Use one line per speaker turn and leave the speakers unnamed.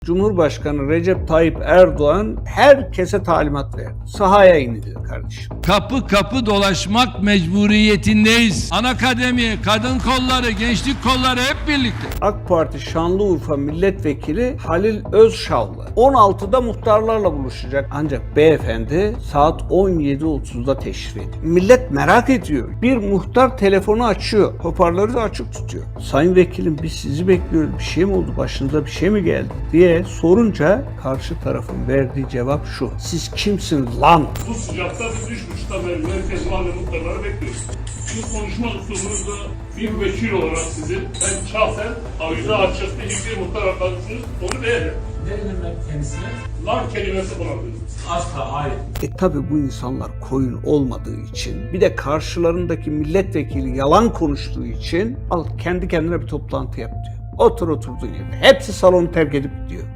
Cumhurbaşkanı Recep Tayyip Erdoğan herkese talimat verdi. Sahaya inin dedi kardeşim.
Kapı kapı dolaşmak mecburiyetindeyiz. Anakademi, kadın kolları, gençlik kolları hep birlikte.
AK Parti Şanlıurfa Milletvekili Halil Özşavlı 16'da muhtarlarla buluşacak. Ancak beyefendi saat 17.30'da teşrif ediyor. Millet merak ediyor. Bir muhtar telefonu açıyor. Hoparlörü de açık tutuyor. Sayın vekilim biz sizi bekliyoruz. Bir şey mi oldu? Başınıza bir şey mi geldi? diye sorunca karşı tarafın verdiği cevap şu. Siz kimsiniz lan?
Bu sıcakta biz 3.30'da beri merkez mahalle muhtarları bekliyoruz. Şu konuşma üslubunuzda bir vekil olarak sizi ben şahsen avize açıkta hiçbir muhtar arkadaşınız onu beğenir.
Ne demek kendisine?
Lan kelimesi kullanıyoruz.
Asla, hayır.
Tabi bu insanlar koyun olmadığı için bir de karşılarındaki milletvekili yalan konuştuğu için al kendi kendine bir toplantı yap diyor. Otur oturduğun yerde. Hepsi salonu terk edip gidiyor.